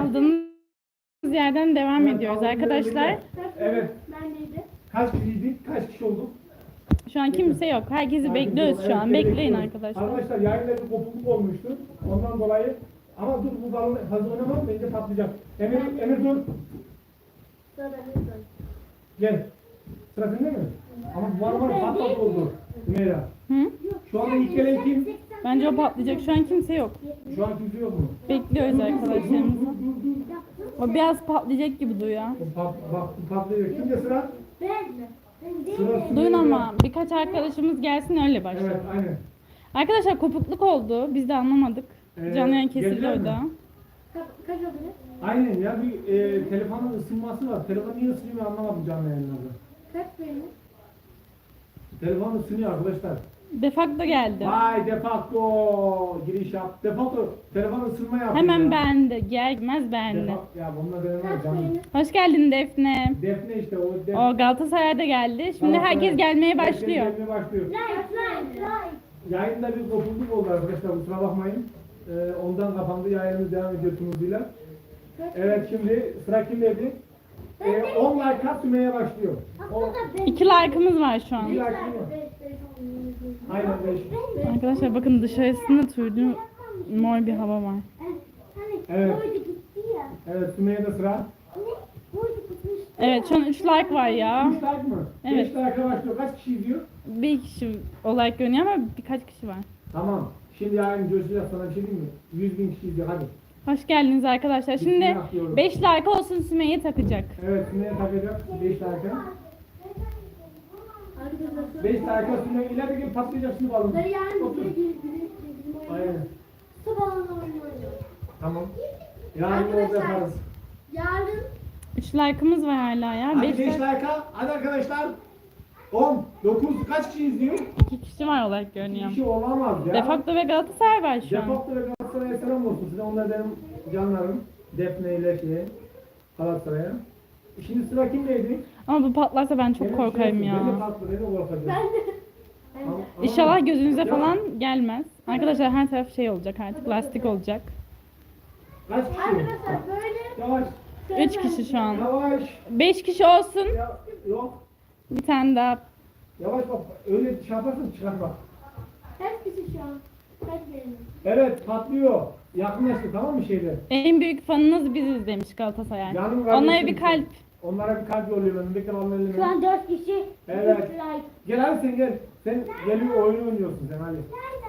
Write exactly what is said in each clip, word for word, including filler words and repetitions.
Kaldığımız yerden devam Evet, ediyoruz kaldığımız arkadaşlar. yerden- Evet. Kaç kişiydik? Kaç kişi olduk? Şu an kimse yok. Herkesi Herkes bekliyoruz yok. şu an. Evet, Bekleyin bekliyoruz. arkadaşlar. Arkadaşlar yayında bir kopukluk olmuştu. Ondan dolayı ama dur bu balon fazla oynamam bence patlayacak. Emir, Emir dur. Gel. Sıra sende mi? Ama bu balon var patlat oldu. Meyra. Hı? Şu anda ilk gelen kim? Bence o patlayacak. Şu an kimse yok. Şu an kimse yok mu? Bekliyoruz Dur, dur, dur, arkadaşlarımızı. dur, dur, dur. O biraz patlayacak gibi duyuyor. Bu pat, bak bu patlıyor. Kimde sıra? Sıra Duyun Sümeyye'de. ama birkaç arkadaşımız gelsin öyle başlayalım. Evet aynen. Arkadaşlar kopukluk oldu. Biz de anlamadık. Ee, Canlı yayın kesildi geldiler mi? orada. Kaç oldu? Aynen ya bir e, telefonun ısınması var. Telefon niye ısınıyor anlamadım canlı yayınlarda. Kaç benim? Telefon ısınıyor arkadaşlar. Defakto geldi. Vay defakto giriş yap. Defakto telefon ısınma yapıyor. Hemen ya. beğendi. Gelmez beğendi. Defak- ya bununla benim var Kaç canım. benim? Hoş geldin Defne. Defne işte o def. O Galatasaray'da geldi. Şimdi Tamam, herkes evet. gelmeye Herkes başlıyor. gelmeye başlıyor. Like, like, like. Yayında bir kopukluk oldu arkadaşlar kusura bakmayın. Ee, ondan kapandı yayınımız devam ediyor Tunuz'uyla. Evet şimdi sıra kimdeydi? Ee, on like at Sümeyye başlıyor. On, İki like'ımız var şu an. iki like değil mi? Aynen beş. Arkadaşlar bakın dışarısında turdu mor bir hava var. Evet. Boydu gitti ya. Evet Sümeyye'de sıra. Ne? Boydu gitmiş. Evet şu an üç like var ya. üç like mı? Evet. beş like'a başlıyor. Kaç kişi izliyor? Bir kişi olarak görünüyor ama birkaç kişi var. Tamam. Şimdi yarın coşacağız sana bir şey diyeyim mi? yüz bin kişi izliyor hadi. Hoş geldiniz arkadaşlar. Şimdi Bismillah diyorum. beş like olsun Sümeyye takacak. Evet Sümeyye takacak beş like'a. Arkadaşlar. beş like'a Sümeyye ileride gelip patlayacak şimdi balon. Ben yarın Otur. bir bir bir Aynen. Sabahına oynuyorum. Tamam. Yarın yolda Arkadaşlar. yaparız. Yarın üç like'ımız var hala ya. Hadi beş beş like. like'a. Hadi arkadaşlar. on, dokuz kaç kişi izliyor? iki kişi var olarak görünüyor. Bir kişi olamaz ya. Defakto ve Galatasaray var şu an. Defakto ve Galatasaray'a selam olsun size. Onlar benim canlarım. Defne ile şey Galatasaray'a. Şimdi sıra kimdeydi? Ama bu patlarsa ben çok Benim korkarım şey, ya. Ben de patlı, ben de korkacağım. ben de. Ama- ama- İnşallah gözünüze Ya, falan gelmez. Arkadaşlar her taraf şey olacak artık lastik olacak. Kaç kişi? Arkadaşlar böyle. Yavaş. üç kişi şu an. Yavaş. beş kişi olsun. Ya, yok. Bir tane daha. Yavaş bak. Öyle şey yaparsan çıkar bak. Kaç kişi şu an? Kaç benim? Evet patlıyor. Yakınlaştı tamam mı şeyde? En büyük fanınız biziz demiş Galatasaray. Canım Onlara kardeşim. bir kalp. Onlara bir kalp yolluyorum ben. Bekle onun elini. Şu an dört kişi. Evet. dört like. Gel hadi sen gel. Sen geliyor oyun oynuyorsun sen hadi.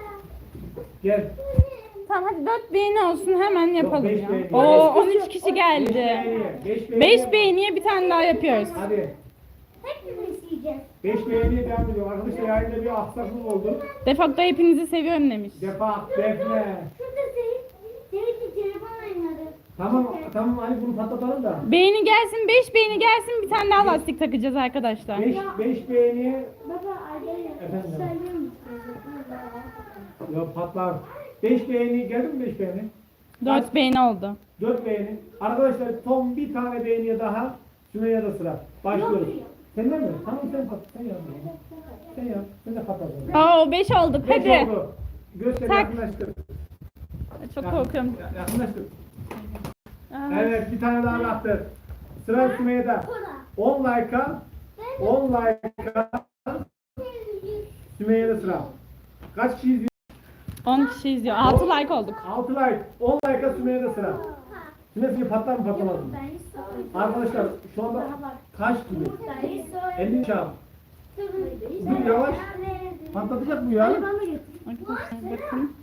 Gel. Tamam hadi dört beğeni olsun hemen yapalım beş ya. beğeni. Oo on üç kişi Beş geldi. beğeniye. Beş beğeniye. beş beğeniye bir tane daha yapıyoruz. Hadi. Hepimiz yiyeceğiz. Beş beğeniye devam ediyor. Arkadaşlar yayında bir aksaklık oldu. Defakto hepinizi seviyorum demiş. Defa, defne. Şurada Seyit. Seyit'le telefon oynadı. Tamam, tamam hadi bunu patlatalım da. Beğeni gelsin, beş beğeni gelsin bir tane daha lastik takacağız arkadaşlar. Beş, beş beğeniye. Baba Arda'ya Efendim? söylüyor musun? Yok patlar. Beş beğeni geldi mi beş beğeni? dört beğeni oldu. Dört beğeni. Arkadaşlar son bir tane beğeniye daha. Sümeyye'de sıra. Başlıyoruz. Senden mi? Tamam sen pat. Sen yap. Sen yap. Sen de patlat. Aa beş olduk Beş hadi. oldu. Göster Tak. yakınlaştır. Çok Yakın- korkuyorum. ya- Yakınlaştır. Aa, Evet bir tane daha attı. Sıra Sümeyye'de. on like'a. on like'a. Sümeyye'de sıra. Kaç kişi izliyor? on kişi izliyor. altı like olduk. altı like. on like'a Sümeyye'de sıra. Sümeyye patlar mı patlamaz mı? Ben hiç sormadım. Arkadaşlar şu anda kaç gibi? Ben hiç sormadım. elli çarp. Dur yavaş. Patlatacak bu ya. Hadi bana götür. Arkadaşlar bakın.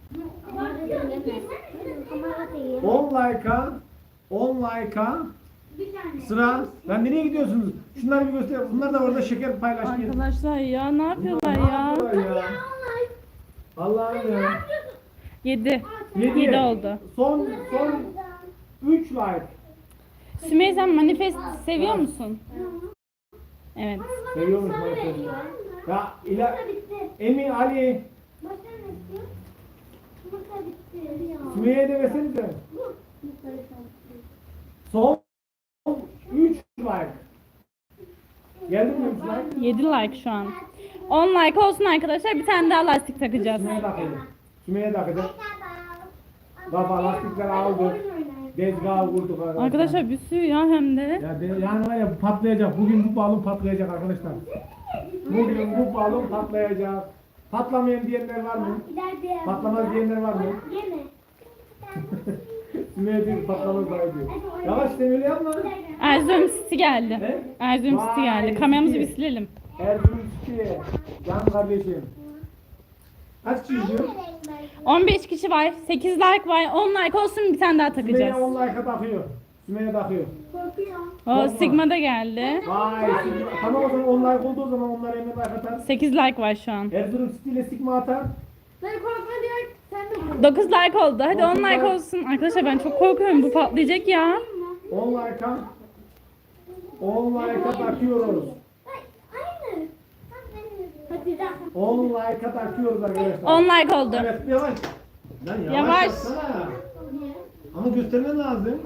on like'a. on like'a. Bir tane. Sıra. Lan nereye gidiyorsunuz? Şunları bir göster. Bunlar da orada şeker paylaşmıyor. Arkadaşlar ya ne yapıyorlar Bunlar ne ya? yapıyorlar ya? Allah'ım ya. yedi. Yedi. yedi oldu. Son son üç like. Sümeyye sen manifest seviyor musun? Evet. Seviyormuş manifesti. Ya ila Emi Ali Başka ne istiyor? Yumurta bitti. Sümeyye'ye de versenize. Yumurta bitti. Son üç like. Geldi mi üç like? yedi like şu an. on like olsun arkadaşlar bir tane daha lastik takacağız. Sümeyye takacak. Sümeyye takacak. Baba lastikler aldı. Tezgahı vurduk arkadaşlar. Arkadaşlar bir sürü ya hem de. Ya de, yani var ya patlayacak. Bugün bu balon patlayacak arkadaşlar. Bugün bu balon patlayacak. Patlamayan diyenler var mı? İleride. Patlamaz diyenler var mı? Yeme. Sümeyye diyor patlamaz daha diyor. Yavaş sen öyle yapma. Erzurum City geldi. Ne? Erzurum City geldi. Vay, Kameramızı City. bir silelim. Erzurum City. Can kardeşim. Kaç kişi izliyor? on beş kişi var. sekiz like var. on like olsun bir tane daha Sümeyye takacağız. on like'a takıyor. Sümeyye takıyor. Korkuyorum. O Sigma da geldi. Vay Sigma. Tamam o zaman on like oldu o zaman onlar hemen like atar. sekiz like var şu an. Erzurum City ile Sigma atar. Ben korkma diyor. Sen de kork. dokuz like oldu. Hadi on dokuz like like. olsun. Arkadaşlar ben çok korkuyorum. Bu patlayacak ya. on like'a on like'a takıyoruz. Aynı. Hadi daha. on like'a takıyoruz arkadaşlar. on like oldu. Evet yavaş. Lan yavaş. Yavaş. yapsana. Ama göstermen lazım.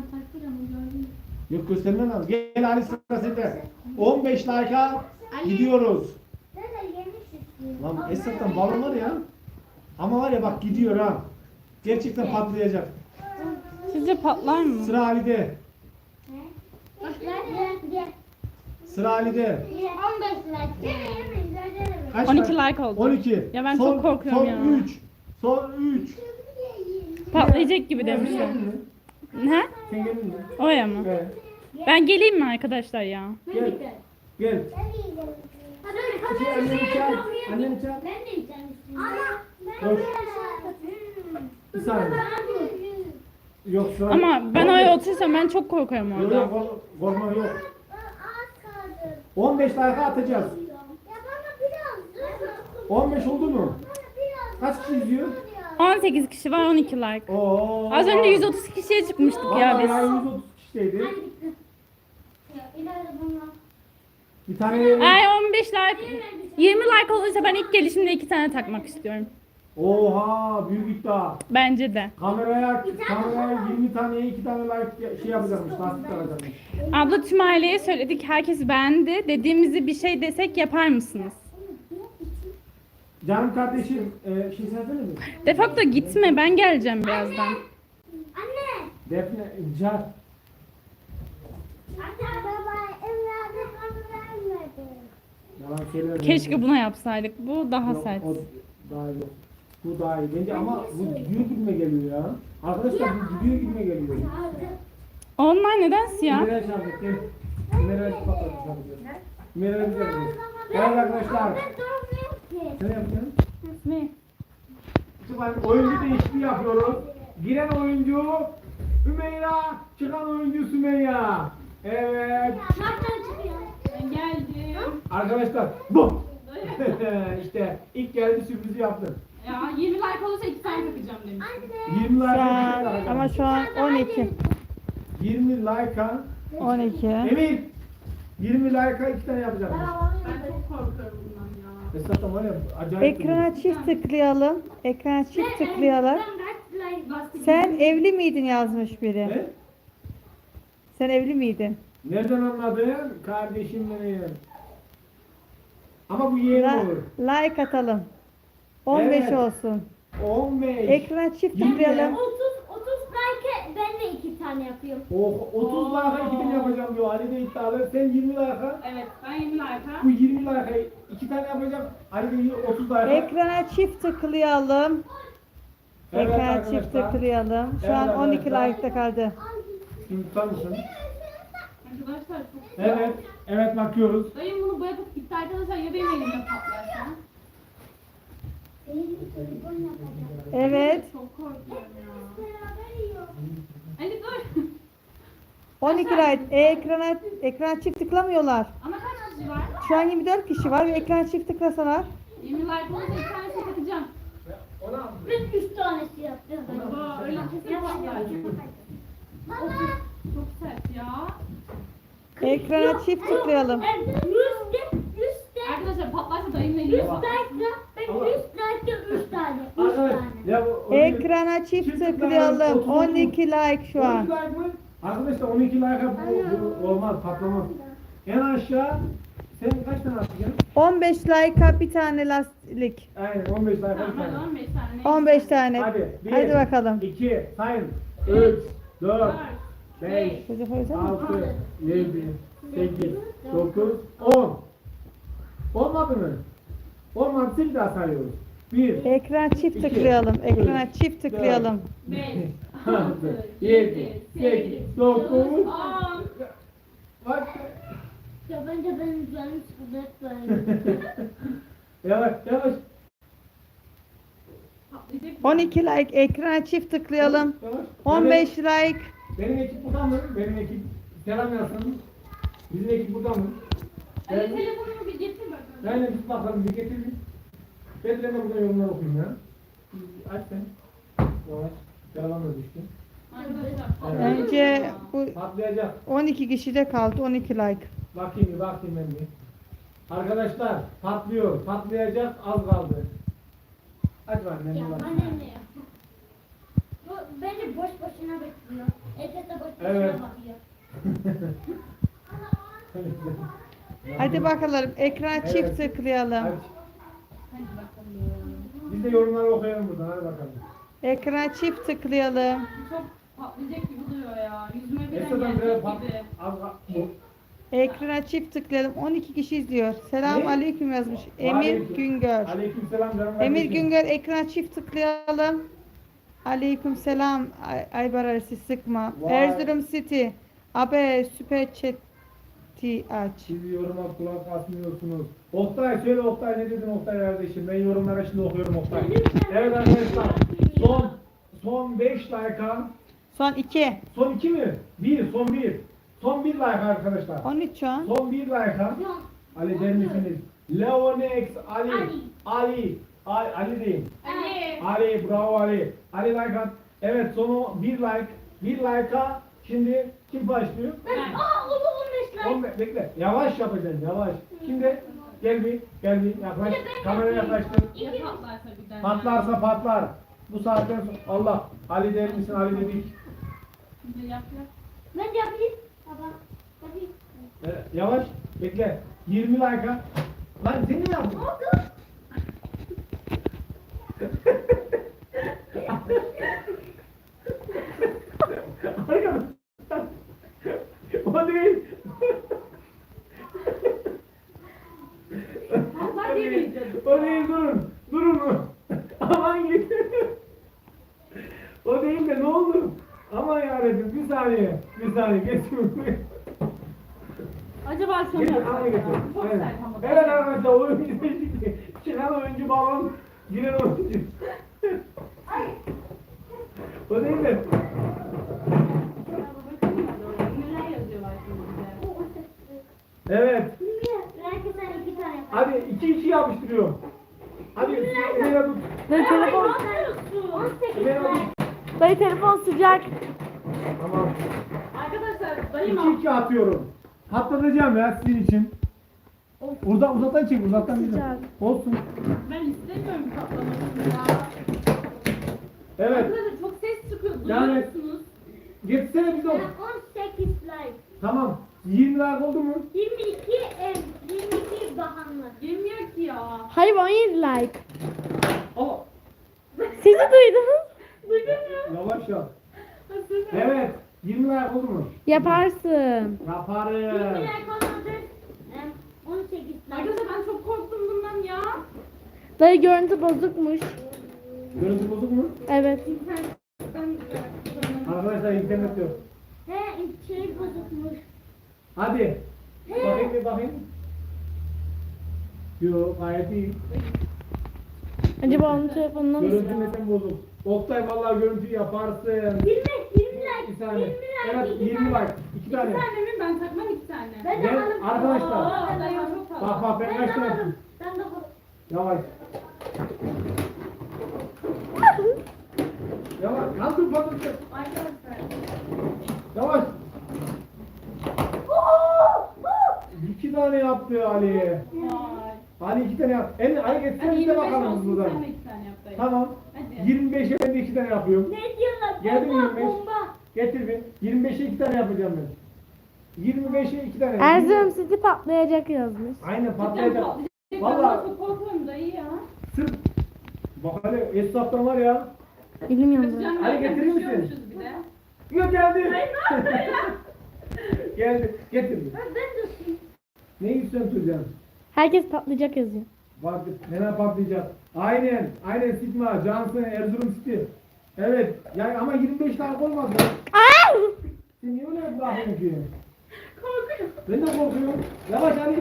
Yok göstermen lazım. Gel Ali sıra sende. on beş like'a gidiyoruz. Nerede yemiş istiyor? Lan Esat'tan balon var ya. Ama var ya bak gidiyor ha. Gerçekten patlayacak. Sizce patlar mı? Sıra Ali'de. Nerede? Gel. Sıra Ali'de. on beş like. Yeme yeme. Nerede? Kaç on iki like? like oldu. on iki. Ya ben son, çok korkuyorum son ya. üç. Son üç. Patlayacak gibi demişler. Ne? Sen geldin mi? Oraya mı? Evet. Ben geleyim mi arkadaşlar ya? Gel. Gel. Hadi hadi Şey, anneni çağır. Anneni çağır. Ben de yiyeceğim üstüne. Ama ben Dur. de Bir saniye. Yok şu an. Ama ben oraya otursam ben çok korkarım Yok orada. yok kork- korkma yok. Az kaldı. on beş like atacağız. Ya bana biraz. on beş oldu mu? Bana biraz. Kaç kişi izliyor? on sekiz kişi var, on iki like. Oo. Az önce yüz otuz kişiye çıkmıştık ya Vallahi biz. ya yüz otuz kişiydi. Ya ileride bunlar. Bir tane Ay on beş like, yirmi like olursa ben ilk gelişimde iki tane takmak istiyorum. Oha büyük iddia. Bence de. Kameraya kameraya yirmi taneye iki tane like şey yapacakmış, lastik alacakmış. Abla tüm aileye söyledik, herkes beğendi. Dediğimizi bir şey desek yapar mısınız? Canım kardeşim, e, şey söylesene mi? Defakto gitme, ben geleceğim birazdan. Anne. Defne, Can. Anne baba evladım onu vermedi. Yalan söylüyorum. Keşke buna yapsaydık. Bu daha Yok, sert. o daha iyi. Bu daha iyi. Bence ama bu gidiyor gibime geliyor ya. Arkadaşlar bu gidiyor gibime geliyor. Onlar neden siyah? Nereye çarptık? Gel. Nereye patladık? Nereye bize gidiyor? Evet arkadaşlar. Ben durmuyorum ki. Sen ne yapacaksın? Ne? Şimdi oyuncu değişikliği yapıyoruz. Giren oyuncu Ümeyra, çıkan oyuncu Sümeyye. Evet. Nereden çıkıyor? Ben geldim. Arkadaşlar bu. İşte ilk geldi sürprizi yaptım. Ya yirmi like olursa iki tane takacağım demiş. Anne. yirmi Şu like an, ama şu an on iki. yirmi like'a on iki. Emir yirmi like'a iki tane yapacağım. Ben çok korkuyorum bundan ya. Esnafta var ya acayip. Ekrana çift tıklayalım. Ekrana çift tıklayalım. Ben kaç like Sen evli miydin yazmış biri. Ne? Sen evli miydin? Nereden anladın? Kardeşim benim. Ama bu yeğen La- olur. like atalım. on beş Evet. olsun. on beş. Ekrana çift Yirmi. tıklayalım. otuz otuz like ben de iki tane yapıyorum. Oh, otuz like'a iki tane yapacağım diyor. Ali de iddialı. Sen yirmi like'a. Evet ben yirmi like'a. Bu yirmi like'a iki tane yapacak. Ali de otuz like'a. Ekrana çift tıklayalım. Evet Ekrana çift arkadaşlar. tıklayalım. Şu Evet an on iki arkadaşlar. like'ta kaldı. Şimdi tutar mısın? Arkadaşlar çok Evet. Evet bakıyoruz. Dayım bunu bırakıp gitti arkadaşlar ya benim elimde patlarsa? Evet. Çok korkuyorum ya. Beraber yiyor. Ali dur. on iki like. E, ekrana, ekrana çift tıklamıyorlar. Ama kaç kişi var? Şu an yirmi dört kişi var ve ekrana çift tıklasalar. yirmi like olursa iki tanesini takacağım. Ona Ben üç tanesi yaptım. Baba öyle kesin patlar. Baba. Çok sert ya. Ekrana çift tıklayalım. Yüzde, yüzde, Arkadaşlar patlarsa dayımla yüz ilgili bak. like'da, ben Ama- yüz like'da üç tane, üç Arkadaş tane. ya bu Ekrana çift tıklayalım. on iki like şu an. on iki like mı? Arkadaşlar on iki like'a bu, bu olmaz patlamaz. En aşağı sen kaç tane atacaksın? on beş like'a bir tane lastik. Aynen on beş like'a bir Tamam hadi tane. on beş tane. on beş tane. Hadi bir, Hadi bakalım. iki, sayın, üç, dört, beş, Çocuk o yüzden mi? altı, yedi, sekiz, dokuz, on. Olmadı mı? Olmadı bir daha sayıyoruz. bir, Ekran çift İki, tıklayalım. Ekrana üç, çift tıklayalım. beş, altı, yedi, sekiz, dokuz. on. Bak. Ya bence benim canım sıkıldı hep böyle. Yavaş yavaş. Patlayacak. on iki like. Ekrana çift tıklayalım. Yavaş. on beş like. Benim ekip burada mı? Benim ekip selam yazsın. Bizim ekip burada mı? Ali Ben, telefonumu bir getir bakalım. ben de bir bakalım bir getir bir. Ben de burada yorumlar okuyayım ya. Aç sen. Yavaş. Yalan da düştü. Arkadaşlar. Bence bu Patlayacak. on iki kişide kaldı. on iki like. Bakayım bir bakayım ben bir. Arkadaşlar patlıyor. Patlayacak az kaldı. Aç var ben Ya bir bana bakayım. ne ya? Bu bence boş boşuna bekliyor. Ete de boş boşuna Evet. bakıyor. Hadi bakalım. Ekrana Evet. çift tıklayalım. Aç. Hadi bakalım. Biz de yorumları okuyalım buradan hadi bakalım. Ekrana çift tıklayalım. Çok patlayacak gibi duruyor ya. Yüzüme bile Esra'dan biraz gelecek pat... gibi. Az bu. Ekrana çift tıklayalım. on iki kişi izliyor. Selam Ne? aleyküm yazmış. Emir Aleyküm- Güngör. Aleykümselam canım Emir kardeşim. Güngör ekrana çift tıklayalım. Aleyküm selam. Ay, Aybar arası sıkma. Vay. Erzurum City. Abe süper chat'i aç. Siz yoruma kulak asmıyorsunuz. Oktay söyle Oktay ne dedin Oktay kardeşim? Ben yorumlara şimdi okuyorum Oktay. Evet arkadaşlar son son beş like'a Son iki. son iki mi? bir son bir. Son bir like arkadaşlar. on üç şu an. Son bir like'a Yok. Ali der misiniz? Leonex Ali. Ali. Ali. Ali, Ali deyin. Ali. Ali bravo Ali. Ali like at. Evet sonu bir like. Bir like'a şimdi kim başlıyor? Ben, aa oldu on beş like. Oğlum bekle. Yavaş yapacaksın yavaş. Şimdi gel bir gel bir yaklaş. Bir de ben Kameraya yapayım. yaklaştır. Ya patlarsa birden. Patlarsa patlar. Bu saatten sonra Allah. Ali der misin Ali dedik. Şimdi yap yap. Ben de yapayım. Baba. Yapayım. Evet, yavaş bekle. yirmi like'a. Lan sen ne yaptın? Oldu. Arkadaşlar. O değil. Patlar demeyeceğiz. O değil durun. Durun. Aman git. O değil de ne oldu? Aman yarabbim bir saniye. Bir saniye geçsin. Acaba sonra Getir, yapsak al ya. getir. Çok Aynen. sert ama. Evet arkadaşlar oyun izleyicisi. Çıkan oyuncu balon, giren oyuncu. O değil de. Neler yazıyorlar şimdi bize? Evet. Belki sen iki tane yap. Hadi iki iki yapıştırıyorum. Hadi Emine tut. Dayı telefon, on sekiz Emine like. tut. dayı telefon sıcak. Tamam. Arkadaşlar dayım iki iki atıyorum. Patlatacağım ya sizin için. Uzak uzaktan çek uzaktan gidelim. Olsun. ben istemiyorum patlamasını ya. Evet. Arkadaşlar çok ses çıkıyor. Duyuyor Yani- musunuz? Getirsene bize. Ben on sekiz like. Tamam. yirmi like oldu mu? yirmi iki ev, yirmi iki bahanlı. Girmiyor ki ya. Hayır on yedi like. Aa, Sizi duydunuz. Duydun mu? yavaş yap. Hazır. Evet. yirmi like oldu mu? Yaparsın. Yaparım. yirmi like olmadı. em, on sekiz like. Arkadaşlar ben çok korktum bundan ya. Dayı görüntü bozukmuş. Görüntü bozuk mu? Evet. Ben Arkadaşlar internet yok. He şey bozukmuş. Hadi. Bakayım bir bakayım. Yok gayet iyi. Acaba onun telefonundan mı? Görüntü neden bozuk? Oktay vallahi görüntü yaparsın. yirmi, yirmi like. Bir saniye. yirmi like. Evet iki yirmi tane. like. İki bir tane. tane mi? Ben takmam iki tane. Ben de Ben alırım. arkadaşlar. Aa, dayım çok fazla. Bak bak ben Ben kaç de tane. alırım. Ben de alırım. Yavaş. Yavaş. Kaldır patlatır. Arkadaşlar. Yavaş. İki tane yaptı Ali. Vay. Ali iki tane yaptı. En Ali getirsene Hadi bir de yirmi beş bakalım olsun buradan. sen de iki tane yap dayı. Tamam. Hadi. yirmi beşe ben de iki tane yapıyorum. Ne diyorlar? Geldi mi Bomba, yirmi beş? bomba. Getir bir. yirmi beşe iki tane yapacağım ben. yirmi beşe iki tane. Erzurum City patlayacak yazmış. Aynen Cidden patlayacak. patlayacak. Vallahi- Ben çok korkuyorum dayı ya. Sırf. Bak hele esnaftan var ya. Bilmiyorum. Kaçacağım Hadi yerden getirir misin? düşüyormuşuz bir de. Yok geldi. Geldi. Getir. Ben de ısıyım. Ne istiyorsun Tuğcan? Herkes patlayacak yazıyor. Bak nene patlayacak. Aynen. Aynen Sigma. Johnson. Erzurum City. Evet. Yani ama yirmi beş dakika olmaz ya. Sen niye öyle bırakıyorsun ki? Korkuyorum. Ben de korkuyorum. Yavaş hadi.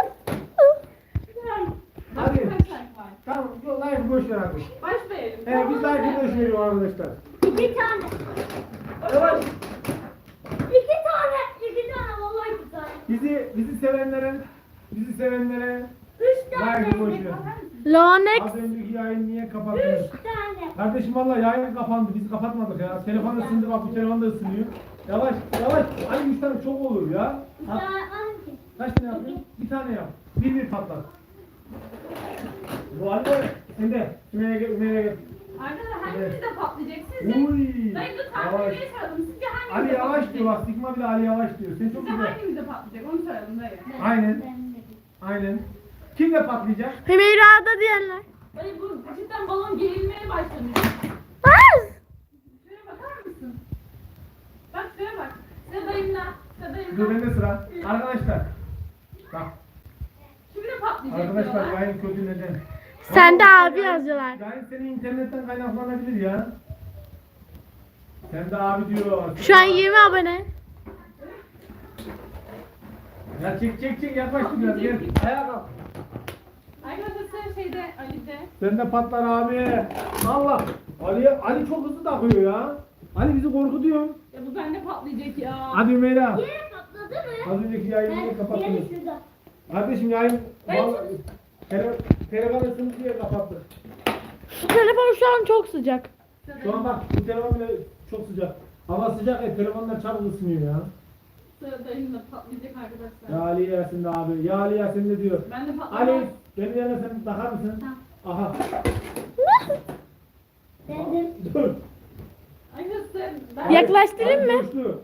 Hadi. Kaç like var? Tamam. Yok live boş ver artık. Başlayalım. Evet biz live boş veriyoruz arkadaşlar. İki tane. Yavaş. İki tane. İki tane. Vallahi iki tane. Bizi bizi sevenlere bizi sevenlere Üç tane. live boş ver. Lonex. Az önceki yayın niye kapattınız? Üç tane. Kardeşim valla yayın kapandı. Biz kapatmadık ya. Telefon ısındı bak bu telefon da ısınıyor. Yavaş yavaş. Ay üç tane çok olur ya. Bir Ha, tane hangi? kaç tane yapıyorsun? Bir tane yap. Bir bir patlat. Bu halde sen de Ümer'e gel Ümer'e gel. Arkadaşlar hangimiz de patlayacak sizce? Uy. Dayı dur Yavaş. tahminleri soralım. Sizce hangimiz Ali de yavaş patlayacak? diyor bak. Sigma bile Ali yavaş diyor. Sen çok Sizce güzel. hangimiz de patlayacak? Onu soralım dayı. Aynen. Ben de. Aynen. Kim de patlayacak? Hümeyra'da diyenler. Dayı bu cidden balon gerilmeye başlamış. Şuraya bakar mısın? Bak şuraya bak. Sıra dayımda. Sıra Dur dayımda. bende sıra. Arkadaşlar. Bak. Şimdi de patlayacak Arkadaşlar diyorlar. yayın kötü neden? Sen de abi yazıyorlar. Yayın senin internetten kaynaklanabilir ya. Sen de abi diyor. Şu an yirmi abone. Ya çek çek çek yaklaş biraz gel. Ayağa kalk. Arkadaşlar şeyde Ali'de. Sen de patlar abi. Allah. Ali Ali çok hızlı takıyor ya. Ali bizi korkutuyor. Ya bu bende patlayacak ya. Hadi Ümeyra. Yere patladı mı? Az önceki yayını niye Ben kapattınız? yere şurada. Kardeşim yayın Ben- vallahi tele, telefon ısındı diye kapattık. Bu telefon şu an çok sıcak. Şu an bak bu telefon bile çok sıcak. Hava sıcak ya telefonlar çabuk ısınıyor ya. Sıra dayımda patlayacak arkadaşlar. Ya Ali Yasin de abi. Ya Ali Yasin de diyor. Ben de patlayacak. Ali benim yerine sen takar mısın? Aha. Ben de. Dur. Arkadaşlar ben... Yaklaştırayım Ali mı? coştu.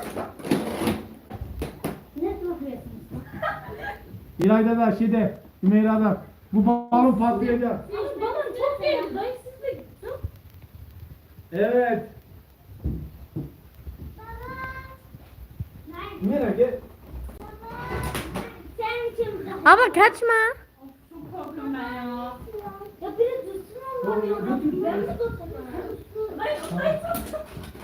Ne bakıyorsunuz? İlayda da şeyde Ümeyra'da. Bu balon patlayacak. Ama balon çok gerildi. Dayı siz de çok... Evet. Ümeyra gel. Sen kim burada? Ama kaçma. Çok korkuyorum ben ya. Ya biri dursun Allah'ım ya. Götür. Ben mi dursun? Dayı, dayı çok...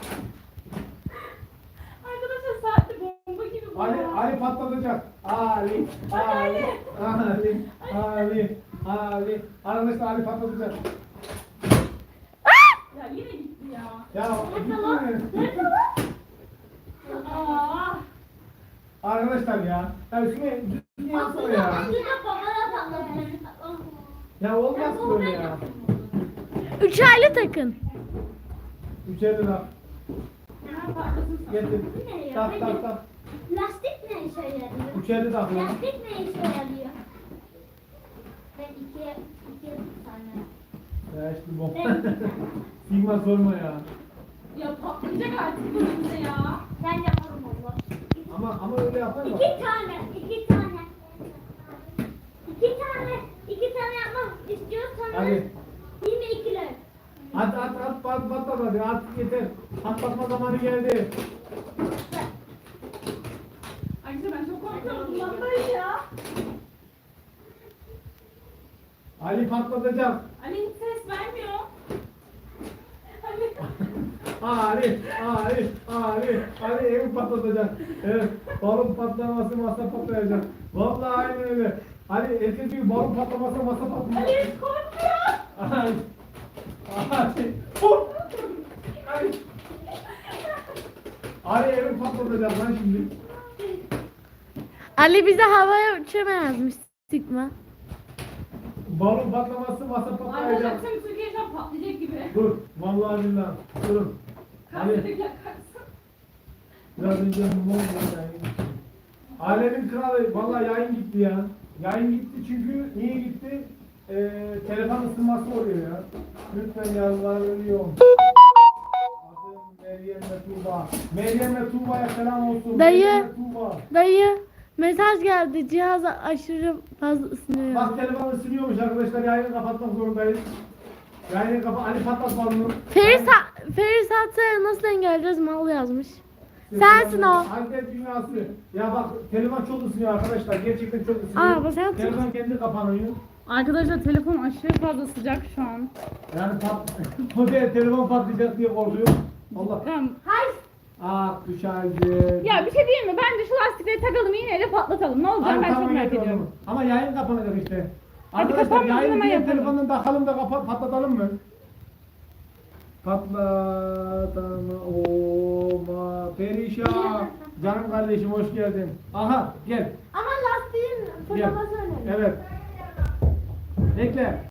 Arkadaşlar saatte bomba gibi bu Ali, ya. Ali patlatacak. Ali, Ali, Ali, Ali, Ali. Arkadaşlar Ali patlatacak. Ya yine gitti ya. Ya gitti mi? Aa. Arkadaşlar ya. Ya Sümeyye düzgün yapsana ya. Aslında babana patladı. Ya olmaz ki böyle ya. Üç aylı takın. Üçerli bak. Hemen patlasın sana. Getir. Ne ya? Tak tak tak. Lastik ne işe yarıyor? Üçerli tak ya. Lastik ne işe yarıyor? Ben iki, iki tane. Ya işte bu. Sigma sorma ya. Ya patlayacak artık bu bize ya. Ben yaparım Allah. Ama ama öyle yapar mı? İki tane, iki tane. İki tane, iki tane yapmak istiyorsanız Hadi. yirmi iki lira. At at at pat patlat hadi artık yeter. Patlatma zamanı geldi. Arkadaşlar ben çok korkuyorum bundan dayı ya. Ali patlatacak. Ali hiç ses vermiyor. Ali. Ali, Ali, Ali, Ali evi patlatacak. Evet, balon patlaması masa patlayacak. Vallahi aynı öyle. Ali erkek gibi balon patlaması masa patlayacak. Ali hiç korkmuyor. Ali, Ali, hop! Ali, Ali evi patlatacak lan şimdi. Ali bize havaya uçama yazmış. Sigma. Balon patlaması masa Arkadaşlar patlayacak. tüm Türkiye şu an patlayacak gibi. Dur, vallahi billahi. Durun. Ali, Karşıdaki yakarsın. biraz önce mum yayın. Alemin kralı, vallahi yayın gitti ya. Yayın gitti çünkü niye gitti? Ee, telefon ısınması oluyor ya. Lütfen yalvarıyorum. Adım Meryem ve Tuğba. Meryem ve Tuğba'ya selam olsun. Dayı. Meryem ve Tuğba. Dayı mesaj geldi. Cihaz aşırı fazla ısınıyor. Bak telefon ısınıyormuş arkadaşlar. Yayını kapatmak zorundayız. Yayını kapa Ali patlatmalı mı? Feris, Feris Hatsa'ya nasıl engelleyeceğiz mal yazmış. Sensin o. Alper dünyası. Ya bak telefon çok ısınıyor arkadaşlar. Gerçekten çok ısınıyor. Aa, bu sen- Telefon kendi kapanıyor. Arkadaşlar telefon aşırı fazla sıcak şu an. Yani pat model telefon patlayacak diye korkuyor. Allah. Tamam. Hayır. Ah düşerdi. Ya bir şey diyeyim mi? Bence şu lastikleri takalım iğneyle patlatalım. Ne olacak Hadi ben çok tamam, merak getir ediyorum. onu. Ama yayın kapanacak işte. Hadi Arkadaşlar kapanmadan yayını hemen diğer yapalım. telefondan takalım da kapa patlatalım mı? Patlatama olma perişan. Canım kardeşim hoş geldin. Aha gel. Ama lastiğin fırlaması önemli. Evet. Bekle.